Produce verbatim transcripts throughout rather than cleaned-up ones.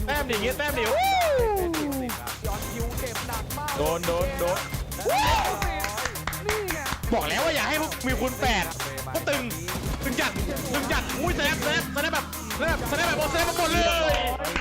แต้มดิเงี้ยแต้มดิโดนโดนโดนบอกแล้วว่าอย่าให้พวกมีคูณแปดก็ตึงตึงจัดตึงจัดอุ้ยแซฟแซฟแซฟแบบแซฟแซฟแบบโอเซฟมาหมดเลย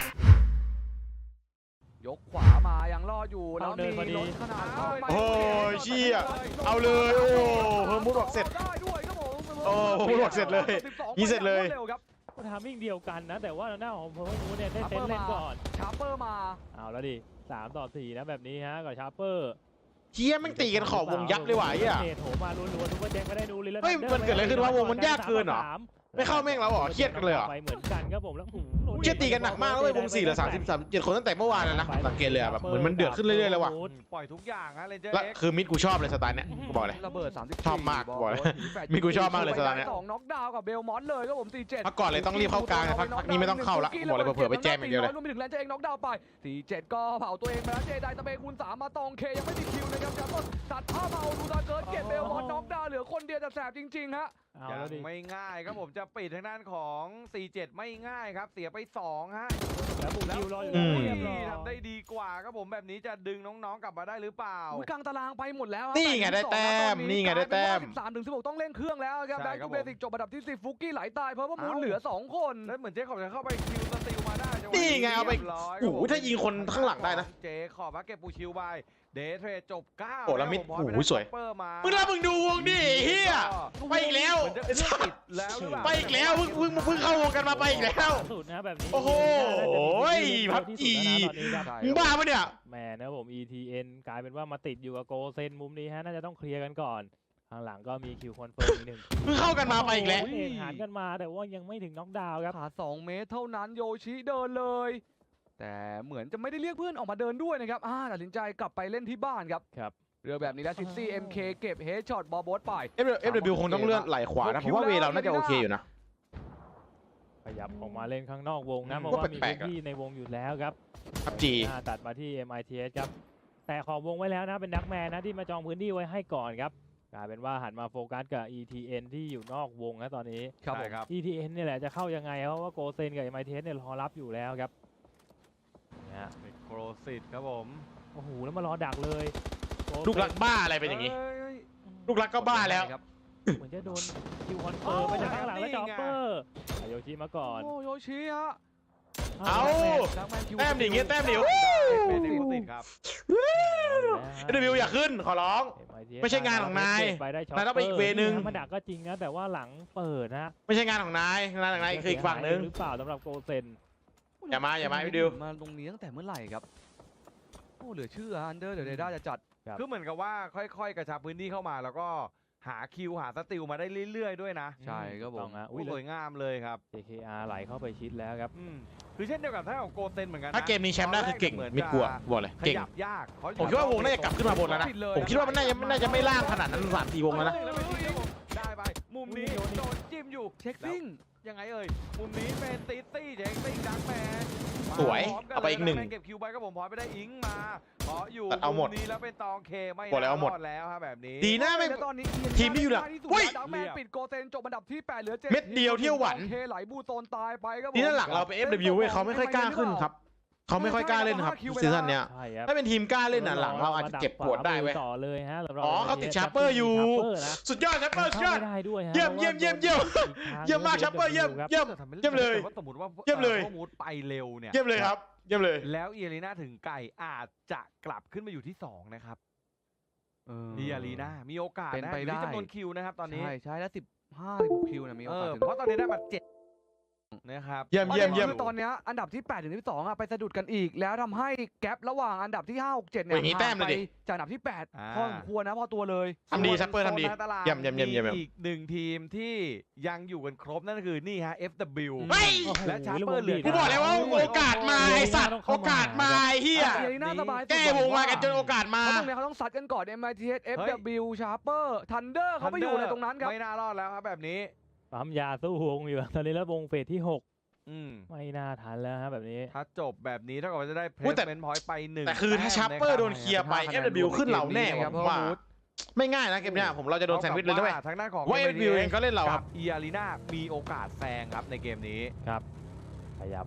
ยกขวามายังรออยู่แล้วมีรถขนาดเข้าไปโอ้ยเชี่ยเอาเลยโอ้เพิ่มมุดบอกเสร็จโอ้เพิ่มมุดบอกเสร็จเลยยี่เสร็จเลยทามมิ่งเดียวกันนะแต่ว่าหน้าของเพิร์ลมูเนี่ยได้เซตเล่นก่อนชาร์เปอร์มาเอาแล้วดิสามต่อสี่นะแบบนี้ฮะกับชาร์เปอร์เชี่ยมันตีกันขอบวงยับเลยว่ะไอ้เหี้ยโถมาล้วนๆทุกคนแจ้งไม่ได้ดูเลยแล้วเฮ้ยมันเกิดอะไรขึ้นวะวงมันยากเกินเหรอไม่เข้าแม่งแล้วเหรอเครียดกันเลยเหรอไปเหมือนกันครับผมแล้วเครียดตีกันหนักมากเลยวงสี่เหลือสามสิบสามเจ็ดคนตั้งแต่เมื่อวานแล้วนะสังเกตเลยแบบเหมือนมันเดือดขึ้นเรื่อยๆเลยว่ะปล่อยทุกอย่างฮะเลนเจอร์แล้วคือมิดกูชอบเลยสไตล์เนี้ยกูบอกเลยระเบิดสามสิบชอบมากบอกเลยมิดกูชอบมากเลยสไตล์เนี้ยสองน็อกดาวน์กับเบลมอนเลยครับผมสี่เจ็ดพักก่อนเลยต้องรีบเข้ากลางพักนี้ไม่ต้องเข้าละบอกเลยเผื่อไปแจมอย่างเดียวเลยรวมไปถึงแลนเจอร์เองน็อกดาวน์ไปสี่เจ็ดก็เผาตัวเองไปแล้วเจไดตะเบคูณสามมาตองเคยังไม่มีคิวนะครับจับต้นตัดผ้าเมาดูตาเกิดเก็บเบลมอนน็อกดาวน์เหลือคนเดียวจะแสบจริงๆฮะยังไม่ง่ายครับผมจะปิดทางด้านของสี่เจ็ดไม่ง่ายครับเสียไปสองฮะแล้วบุกคิวรออยู่แล้วทำได้ดีกว่าครับผมแบบนี้จะดึงน้องๆกลับมาได้หรือเปล่าอุ้ยกลางตารางไปหมดแล้วนี่ไงได้แต้มนี่ไงได้แต้มสิบสามถึงสิบหกต้องเล่นเครื่องแล้วครับแบ็คทูเบสิกจบอันดับที่สิบฟุกกี้ไหลตายเพราะว่ามูลเหลือสองคนแล้วเหมือนเจ๊ขอบจะเข้าไปคิวสติลมาได้นี่ไงเอาไปโอ้โหถ้ายิงคนข้างหลังได้นะเจ๊ขอบมาเก็บปูชิวไปเดทเทรดจบเก้าโอ้แล้วมิดโอ้โหสวยมึงแล้วมึงดูวงดิเฮียไปอีกแล้วไปอีกแล้วเพิ่งเพิ่งเพิ่งเข้าวงกันมาไปอีกแล้วสุดนะแบบนี้โอ้โหพับจีมึงบ้าปะเนี่ยแหมนะผม อี ที เอ็น กลายเป็นว่ามาติดอยู่กับโกเซนมุมนี้ฮะน่าจะต้องเคลียร์กันก่อนข้างหลังก็มีคิวคอนเฟิร์มอีกหนึ่งเพิ่งเข้ากันมาไปอีกแล้วเอกหานกันมาแต่ว่ายังไม่ถึงน็อกดาวน์ครับขาสองเมตรเท่านั้นโยชิเดินเลยแต่เหมือนจะไม่ได้เรียกเพื่อนออกมาเดินด้วยนะครับอ่าตัดสินใจกลับไปเล่นที่บ้านครับครับเรือแบบนี้แล้วซิซี่ เอ็ม เค เก็บเฮดช็อตบอลโบสไปเอฟ ดับเบิลยู คงต้องเลื่อนไหลขวานะผมว่าเวเราน่าจะโอเคอยู่นะขยับออกมาเล่นข้างนอกวงนะเพราะว่ามีพื้นที่ในวงอยู่แล้วครับครับจีตัดมาที่ เอ็ม ไอ ที เอส ครับแต่ขอบวงไว้แล้วนะเป็นนักแมนนะที่มาจองพื้นที่ไว้ให้ก่อนครับกลายเป็นว่าหันมาโฟกัสกับ อี ที เอ็น ที่อยู่นอกวงนะตอนนี้ครับผมอี ที เอ็น นี่แหละจะเข้ายังไงเพราะว่าโกเซนกับ เอ็ม ไอ ที เอส เนี่ยรอรับอยู่แล้วครับนะโครสิตครับผมโอ้โหแล้วมารอดักเลยลูกรักบ้าอะไรเป็นอย่างนี้ลูกรักก็บ้าแล้วเหมือนจะโดนคิวคอนเฟิร์มไปจากข้างหลังแล้วจอปเปอร์โยชิมาก่อนโอ้โยชิฮะเอาแต้มดิเงี้ยแต้มดิเป็นโครสิตครับเอฟ ดับเบิลยู อย่าขึ้นขอร้องไม่ใช่งานของนายนายต้องไปอีกเวนึงมาดักก็จริงนะแต่ว่าหลังเปิดนะไม่ใช่งานของนายงานของนายคืออีกฝั่งนึงหรือเปล่าสำหรับโกเซนอย่ามาอย่ามาพี่ดิวมาตรงนี้ตั้งแต่เมื่อไหร่ครับโอ้เหลือเชื่ออันเดอร์เดี๋ยวเดด้าจะจัดคือเหมือนกับว่าค่อยๆกระชับพื้นที่เข้ามาแล้วก็หาคิวหาสติลมาได้เรื่อยๆด้วยนะใช่ครับผมสวยงามเลยครับเจ เค อาร์ ไหลเข้าไปชิดแล้วครับคือเช่นเดียวกับท่าของโกเซนเหมือนกันถ้าเกมนี้แชมป์ได้คือเก่งมิดกลัวบอกเลยเก่งยากผมคิดว่าวงน่าจะกลับขึ้นมาบนแล้วนะผมคิดว่ามันน่าจะน่าจะไม่ล่างขนาดนั้นสามสี่วงแล้วนะได้ไปมุมนี้โดนจิ้มอยู่เช็คซิ่งยังไงเอ่ยมุมนี้เป็นตีตี้เช็คซิ่งดักแมนสวยเอาไปอีกหนึ่งเก็บคิวไปก็ผมพอยไปได้อิงมาขออยู่เอาหมดนี้แล้วเป็นตองเคไม่รอดแล้วครับแบบนี้ดีนะไม่ตอนนี้ทีมที่อยู่ละเฮ้ยดักแมนปิดโกเซนจบอันดับที่แปดเหลือเจ็ดเม็ดเดียวเที่ยวหวันเคไหลบูโซนตายไปครับนี่นั่นหลักเราไป เอฟ ดับเบิลยู เว้ยเขาไม่ค่อยกล้าขึ้นครับเขาไม่ค่อยกล้าเล่นครับซีซั่นเนี้ยถ้าเป็นทีมกล้าเล่นน่ะหลังเราอาจจะเจ็บปวดได้เว้ยต่อเลยฮะอ๋อเขาติดชาร์เปอร์อยู่สุดยอดชาร์เปอร์สุดยอดเยี่ยมเยี่ยมเยี่ยมเยี่ยมเยี่ยมมากชาร์เปอร์เยี่ยมเยี่ยมเยี่ยมเลยสมมติว่าเยี่ยมเลยมูดไปเร็วเนี่ยเยี่ยมเลยครับเยี่ยมเลยแล้วเอลีน่าถึงไก่อาจจะกลับขึ้นมาอยู่ที่สองนะครับเอลีน่ามีโอกาสเป็นไปได้จำนวนคิวนะครับตอนนี้ใช่ใช่แล้วสิบห้าสิบหกคิวนะมีโอกาสเพราะตอนนี้ได้มาเจ็ดนะครับเยี่ยมเยี่ยมเยี่ยมตอนนี้อันดับที่แปดถึงที่สองอ่ะไปสะดุดกันอีกแล้วทำให้แกลระหว่างอันดับที่ห้า หก เจ็ดเนี่ยห่างไปจากอันดับที่แปดพอสมควรนะพอตัวเลยทำดีซัปเปอร์ทำดีเยี่ยมเยี่ยมเยี่ยมเยี่ยมอีกหนึ่งทีมที่ยังอยู่กันครบนั่นก็คือนี่ฮะ เอฟ ดับเบิลยูและชาร์เปอร์เหลือกูบอกเลยว่าโอกาสมาไอสัตว์โอกาสมาไอเฮียแก้วงมากันจนโอกาสมาตรงนี้เขาต้องซัดกันก่อน เอ็ม ไอ ที เอส เอฟ ดับเบิลยู ชาร์เปอร์ทันเดอร์เขาไปอยู่ในตรงนั้นครับไม่น่ารอดแล้วครับแบบนี้ปั๊มยาสู้วงอยู่ตอนนี้แล้ววงเฟสที่หกไม่น่าทันแล้วฮะแบบนี้ถ้าจบแบบนี้ถ้าเกิดว่าจะได้เพลสเมนต์พอยต์ไปหนึ่งแต่คือถ้าชาร์เปอร์โดนเคลียร์ไป เอฟ ดับเบิลยู ขึ้นเราแน่ผมว่าไม่ง่ายนะเกมนี้ผมเราจะโดนแซนด์วิชเลยด้วยทางด้านของว่า เอฟ ดับเบิลยู เองก็เล่นเราครับอีอารีนามีโอกาสแซงครับในเกมนี้ครับขยับ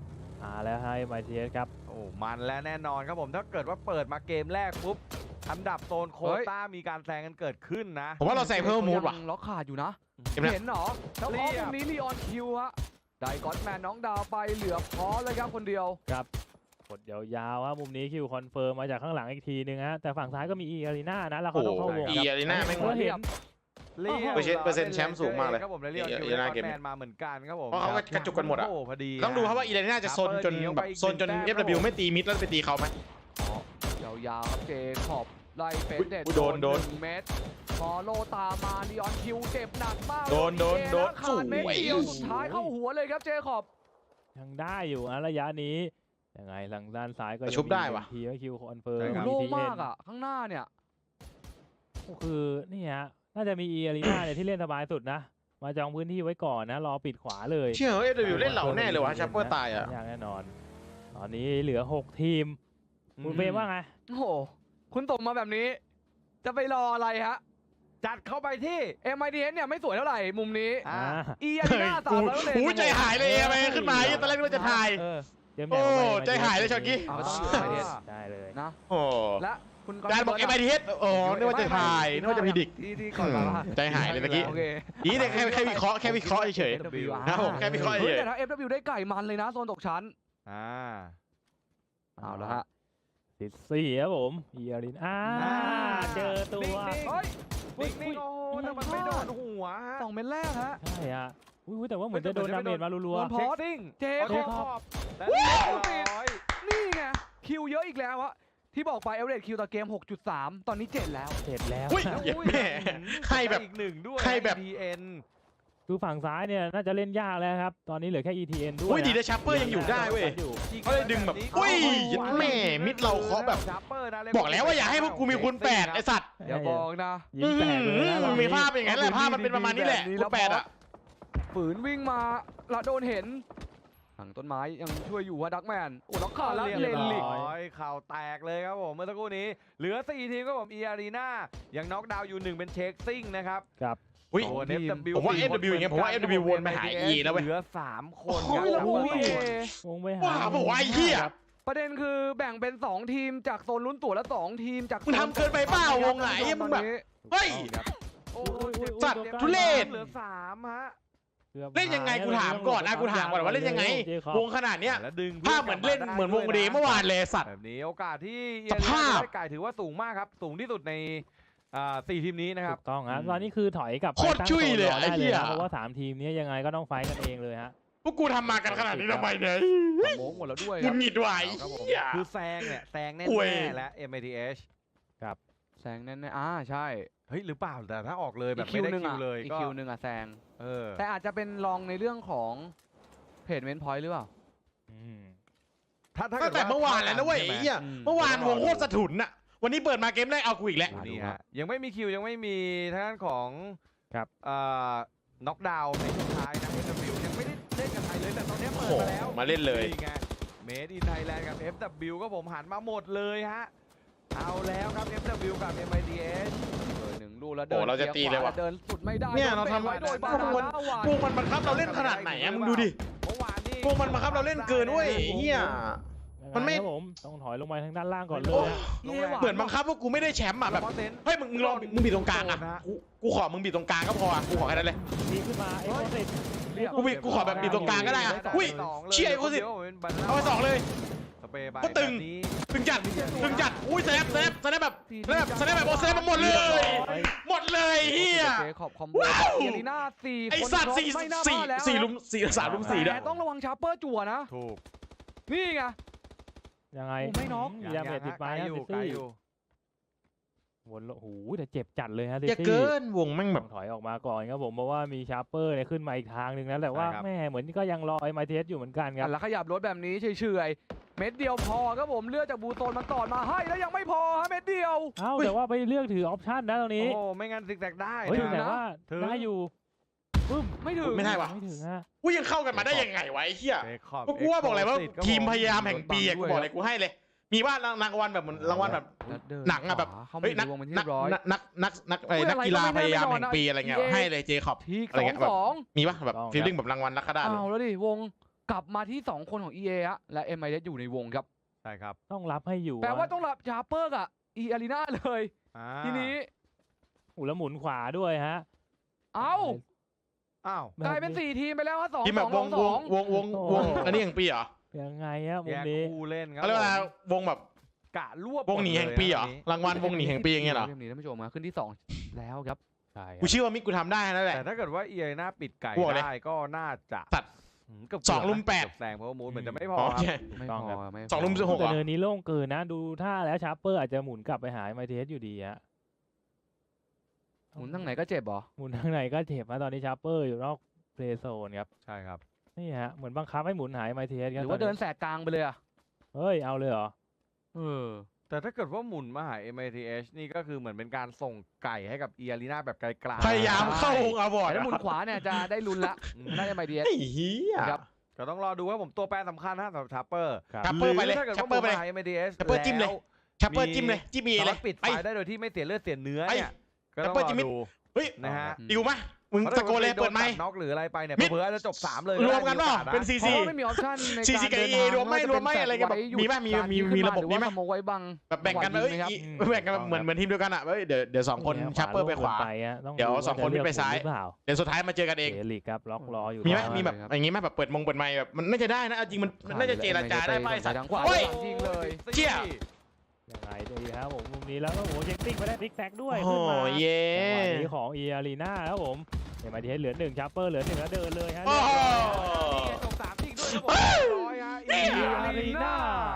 มาแล้วให้ เอ็ม ไอ ที เอส ครับโอ้มันและแน่นอนครับผมถ้าเกิดว่าเปิดมาเกมแรกปุ๊บอันดับโซนโควต้ามีการแซงกันเกิดขึ้นนะผมว่าเราแซงเพิ่มมูดว่ะยังล็อกขาดอยู่นะเห็นไหมเห็นเหรอแล้วพอตรงนี้ลีออนคิวฮะได้ก็อดแมนน้องดาวไปเหลือพอเลยครับคนเดียวครับกดยาวๆครับมุมนี้คิวคอนเฟิร์มมาจากข้างหลังอีกทีนึงฮะแต่ฝั่งซ้ายก็มีอีอารีนานะแล้วเขาต้องเข้าวงอีครับอารีนาแม่งเห็นเรียบเปอร์เซ็นต์เปอร์เซ็นต์แชมป์สูงมากเลยครับผมและเรียกอีคิวอารีและนาก็เกมแมนมาเหมือนกันครับผมเพราะเขาก็กระจุกกันหมดอะโอ้พอดีต้องดูครับว่าอีเลน่าจะโซนจนแบบโซนจน เอฟ ดับเบิลยู ไม่ตีมิดแล้วไปตีเขาไหมยาวๆครับเจขอบไล่เฟสเด็ดอุ๊ยโดนโดนหงเมตรฟอลโลตามมาลีออนคิวเจ็บหนักมากโดนโดนโดนขาดเม็ดเดียวสวยสุดท้ายเข้าหัวเลยครับเจขอบยังได้อยู่นะระยะนี้ยังไงทางด้านซ้ายก็ชุบได้ว่ะทีไม่คิวคอนเฟิร์มโล่งมากอ่ะข้างหน้าเนี่ยก็คือนี่ฮะน่าจะมีอีอารีนาเนี่ยที่เล่นสบายสุดนะมาจองพื้นที่ไว้ก่อนนะรอปิดขวาเลยเชื่อเอฟ ดับเบิลยู เล่นเหล่าแน่เลยวะชัปเปอร์ตายอ่ะยากแน่นอน ตอนนี้เหลือหกทีมคุณเฟรมว่าไงโอ้โหคุณตกมาแบบนี้ จะไปรออะไรฮะจัดเข้าไปที่เอ็ม ไอ ที เอส เนี่ยไม่สวยเท่าไหร่มุมนี้อ่าอีอารีนาสามร้อยเปอร์เซ็นต์หูใจหายเลยเอไปขึ้นมาตอนแรกนึกว่าจะถ่ายเออเตรียมโอ้แบ่งออกไปใจหายเลยช็อตกี้เอาต้องอยู่ เอ็ม ไอ ที เอสได้เลยนะโอ้และคุณการบอก เอ็ม ไอ ที เอส โอ้นึกว่าจะถ่ายนึกว่าจะพิดิกที่ที่ก่อนมาว่าใจหายเลยเมื่อกี้โอเคนี่แต่แค่แค่วิเคราะห์แค่วิเคราะห์เฉย ครับผมแค่วิเคราะห์เฮ้ยเฉยแต่ถ้า เอฟ ดับเบิลยู ได้ไก่มันเลยนะโซนตกชั้นอ่าเอาละฮะติดสี่ครับผมอีอารีนาอ่าอ่าเจอตัวนิ่งเฮ้ยๆนิ่งๆโอ้โหแต่มันไม่โดนหัวฮะสองเม็ดแรกฮะใช่ฮะอุ้ยแต่ว่าเหมือนจะโดนดาเมจมารัวโดนพเช็อคสซิ่งเจเอาคเช็อคบขอบและเรียบร้อยนี่ไงคิวเยอะอีกแล้วอะที่บอกไปเอเวอเรสคิวต่อเกม หกจุดสาม ตอนนี้เจ็ดแล้วๆเสร็จแล้วอุ้ยนะเหี้ยแม่ให้แบบอีกหนึ่งด้วยให้แบบดีเอ็นคือฝั่งซ้ายเนี่ยน่าจะเล่นยากแล้วครับ ตอนนี้เหลือแค่ อี ที เอ็น ด้วยอุ้ยดีนะนะชัปเปอร์ยังอยู่ได้เว้ยอยู่เขาเลยดึงแบบอุ้ยยัดแม่มิดเราเคาะแบบ บอกแล้วว่าอย่าให้พวกกูมีคูณแปดไอสัตว์อย่าบอกนะยิ้มแตกเลยนะตอนนี้มีภาพอย่างนั้นแหละภาพมันเป็นประมาณนี้แหละคูณแปดอ่ะฝืนวิ่งมาและโดนเห็นหลังต้นไม้ยังช่วยอยู่ว่าดักแมนโอ้ล็อกขาดแล้วเรียบเลนลิกร้อยข่าวแตกเลยครับผมเมื่อสักครู่นี้ เหลือสี่ทีมครับผมอีอารีนายังน็อกดาวน์อยู่หนึ่งเป็นเช็คซิ่งนะครับครับอุ้ยส่วน เอฟ ดับเบิลยูผมว่า เอฟ ดับเบิลยู อย่างเงี้ยผมว่า เอฟ ดับเบิลยู วนไปหา E แล้วเว้ยเหลือสามคนโอ้ยคแล้รัวบโอ้ยวงไปหาว้าวบอกว่าไอ้เหี้ยประเด็นคือแบ่งเป็นสองทีมจากโซนลุ้นตั๋วและสองทีมจากมึงทำเกินไปเปล่าวงไหนมึงแบบ เฮ้ยโอ้อุ้ยอุ้ยอุ้ยสัตว์ตัวใกล้ทุเรศเหลือสามฮะกือบเล่นยังไงกูถามก่อนนะกูถามก่อนว่าเล่นยังไงเจคอบวงขนาดเนี้ยแล้วดึงภาพเหมือนเล่นเหมือนวงเดย์เมื่อวานเลยสัตว์แบบนี้โอกาสที่สภาพได้ไก่ถือว่าสูงมากครับ สูงที่สุดในอ่าสี่ทีมนี้นะครับถูกต้องฮะตอนนี้คือถอยกลับไปโคตรตั้งจุ้ยเลยโซนรไอ้เหี้ยนะเพราะว่าสามทีมนี้ยังไงก็ต้องไฟท์กันเองเลยฮะพวกกูทำมากันขนาดนี้ทำไมเนี่ยโมงหมดแล้วด้วยคุคณรับหงิดไหวครับผมเหี้ยคือแซงเนี่ยแซงแน่ป่วยๆและ เอ็ม ไอ ที เอชแซงแน่ๆอ่าใช่เฮ้ยหรือเปล่าแต่ถ้าออกเลยแบอีบกไม่คิวได้หนึ่งคิอ่ะวเลยอีกก็คิวหนึ่งอ่ะแซงเออแต่อาจจะเป็นรองในเรื่องของเพจเมนพอยต์หรือเปล่าอืมถ้าถ้าตั้งแต่เมื่อวานแล้วนะเว้ยใช่ไหมไอ้เหี้ยอืมเมื่อวานวงโคตรสะทุนน่ะวันนี้เปิดมาเกมแรกเอากูอีกแล้วดูนี่ฮะยังไม่มีคิวยังไม่มีทางด้านของครับเอ่อน็อกดาวน์ในช่วงท้ายนะ เอฟ ดับเบิลยู ยังไม่ได้เล่นกับไทยเลยแต่ตอนนี้โอ้เปิดโหมาแล้วมาเล่นเลยนี่ไงเมดอินไทยแลนด์กับ เอฟ ดับเบิลยู ก็ผมหันมาหมดเลยฮะเอาแล้วครับ เอฟ ดับเบิลยู กับ เอ็ม ไอ ที เอสเลยหนึ่งลูกแล้วโอ้เดินเราจะตีเลยว่ะเดินสุดไม่ได้เนี่ยโดเราทำตะไว้โดยบาพวกนามันน่าหวานวงมันบังคับเราเล่นขนาดไหนอะมึงดูดิเมื่อวานนี่วงมันบังคับเราเล่นเกินเว้ยไอ้เหี้ย มันไม่ยังงครับผมต้องถอยลงไปทางด้านล่างก่อนเลโอ้ยฮะเย่หวานเหมือนบังคับว่ากูไม่ได้แชมป์อะแบบเซนเฮ้ยมึงมึงลองมึงบีบตรงกลางอะกูกูขอมึงบีบตรงกลางก็พออะกูขอแค่นั้นเลยดีขึ้นมาเอ็กโคสิตกูบีบกูขอแบบบีบตรงกลางก็ได้อะอุ้ย เชี่ยไอ้โคสิ เอาไปสองเลยสเปรย์ไปก็ตึงแบบนี้ตึงจัดตึงจัดอุ้ยแซฟแซฟแซฟแบบแซฟแซฟแบบโอ้แซฟมาหมดเลย หมดเลยเฮียเจคอบคอมโบว้าวเอลีน่าสี่ไอคนสัตว์ครบสี่ไม่น่าพสี่ลาดแล้วสี่ลุมสี่สามลุมสี่ด้วยแต่ต้องระวังชาร์เปอร์จั่วนะถูกนี่ไงยังไงโอ้ไม่น็อกมีดาเมจติดไปไกลฮะอยู่ซิไกลตี้อยู่วนโอ้โหแต่เจ็บจัดเลยฮะซิอย่าตี้เกินวงแม่งแบต้บองถอยออกมาก่อนครับผมเพราะว่ามีชาร์เปอร์เนี่ยขึ้นมาอีกทางหนึ่งนะแต่ว่าใช่ครับแม่เหมือนก็ยังรอไอ้ไมเทสอยู่เหมือนกันครับแล้วขยับรถแบบนี้เฉยๆเม็ดเดียวพอครับผมเลือดจากบูโตนมันต่อมาให้แล้วยังไม่พอฮะเม็ดเดียวเอ้าแต่ว่าไปเลือกถือออปชั่นนะตรงโอ้นี้โหไม่งั้นซิกแซกได้เฮ้ยถึงแต่นะว่าถึงได้อยู่ปึ๊มไม่ถึงไม่ได้วะไม่ถึงฮะกูยังเข้ากันมาได้ยังไงวะไอ้เหี้ยเจคอบก็กูว่าบอกเลยว่าเอ็กโคสิตทีมพยายามแห่งปีอะกูบอกเลยกูให้เลย มีว่ารางวัลแบบเหมือนรางวัลแบบแล้วเดิหนังอะแบบขวาเข้ามาเฮ้ยในนักวงเป็นที่นัเรียบร้อยกนักนักนักเอ้ยอุ้ยนักกีฬาอะไรก็พไม่ยายามแน่นอนแห่งปีอะไรเงี้ยนะให้เลยเจคอบทีอะไรสองเงี้ยแบบสองมีปะแบบฟีลลิ่งแบบรางวัลนักขดาษเลยเอาแล้วดิวงกลับมาที่สองคนของ อี เอ ฮะและ เอ็ม ไอ เอส อยู่ในวงครับใช่ครับต้องรับให้อยู่แปลว่าต้องรับชาร์เปอร์กับอีอารีนาเลยอ่าทีนี้อุยแล้วหมุนขวาด้วยฮะเอ้าอ้าวกลายเป็นสี่ทีมไปแล้วฮะสองทีมสแบอบ งวสอง งสวอง งวงวงวงอันนี้แห่งปีเหรอยังไงฮะมุแยมกนี้คู่เล่นครับเขาเรียกว่าผมวงแบบกะรวบวงหนีแห่งปีเหรอมดลยรางวัลวงหนีแห่งปีอย่างเงี้ยเหรอเกมนี้ท่านผู้ชมมาขึ้นที่สองแล้วครับใช่คกูรับเชื่อว่ามิกกูทำได้นั่นแหละแต่ถ้าเกิดว่าเอียน่าปิดไก่บวกเลยได้ก็น่าจะสัตว์หืมเกือบสองลุมแปดเกือบแซงเพราะว่ามูดเหมือนจะไม่พออ๋อครับใช่ไม่พอไม่พสองลุมสิบหกแต่เนินนี้โล่งเกินนะ ดูท่าแล้วชาร์เปอร์อาจจะหมุนกลับไปหาไมเทสอยู่ดีฮะหมุนทางไหนก็เจ็บเหรอหมุนทางไหนก็เจ็บนะตอนนี้ชาร์เปอร์อยู่นอกเพลย์โซนครับใช่ครับนี่ฮะเหมือนบังคับให้หมุนหายไมเทสหครับรือว่าตเดินแสกกลางไปเลยอะเฮ้ยเอาเลยเหรอเออแต่ถ้าเกิดว่าหมุนมาหา เอ็ม ไอ ที เอช นี่ก็คือเหมือนเป็นการส่งไก่ให้กับเอียรีนาแบบไกลๆพยายามเข้าวงอวอร์ดแต่ถ้าหมุนขวาเนี่ยจะได้ลุ้นละอืมน่าจะไม่ดีไอ้เหี้ยครับก็ต้องรอดูว่าผมตัวแปรสำคัญนะสำหรับชาร์เปอร์ครับชาร์เปอร์ไปเลยถ้าเกิดชาว่าร์เปอร์ไปเลยหา เอ็ม ไอ ที เอชชาร์เปอร์จิ้มเลย ชัปเปอร์จิ้มเลยจิ้มเอสาเลมาย รถปิดไปไฟได้โดยที่ไม่เสียเลือดเสียเนื้อไปเนี่ยก็ต้องชาร์เปอร์รอจิ้มดูเฮ้ยนะฮะดิวมะมึงตะโกนเลยเปิดไมค์โนน็อกหรืออะไรไปเนี่ยมิดเผื่อๆอาจจะจบสามเลยรวมกันเปล่าเป็นซีเพซีราะว่าไม่มีออปชั่นในซีการซีกับเดินเอทางรวมไหมรวมไหมอะไรกันแบบมีป่ะมีมีมีระบบนี้ไหมหรือว่าสโมกไว้บังแบบแบ่งกันเอ้ยไหมครับแบ่งกันเหมือนเหมือนทีมเดียวกันอ่ะเอ้ยเดี๋ยวเดี๋ยวสองคนนี่ฮชัปเปอร์ไปขวาโล่งเกินไปฮะต้องเดี๋ยวาสองคนจะไปซ้ายเลือกหรือเปล่าเดี๋ยวสุดท้ายมาเจอกันเองเอลิกครับล็อกรออยู่มีไหมแล้วมีแบบครับอย่างงี้ไหมแบบเปิดมงเปิดไมค์แบบมันน่าจะได้นะเอาจริงมันมันน่าจะเจรจาได้ป่ะไอ้สัตว์ทางขวาเฮ้ยจริงเลยเชี่ยยังไงดีครับผมมุมนี้แล้วก็โอ้โหเช็คติ้งไปได้พลิกแซกด้วยโอ้ขึ้นมาเย่จังหวะนี้ของเออารีนาครับผมเอ็มไอทีเหลือหนึ่งชาร์เปอร์เหลือหนึ่งแล้วเดินเลยฮะโอ้โหนี่ไงจบสามจริงด้วยครับผมเรียบร้อยฮะเนี่ยเอียอารีนา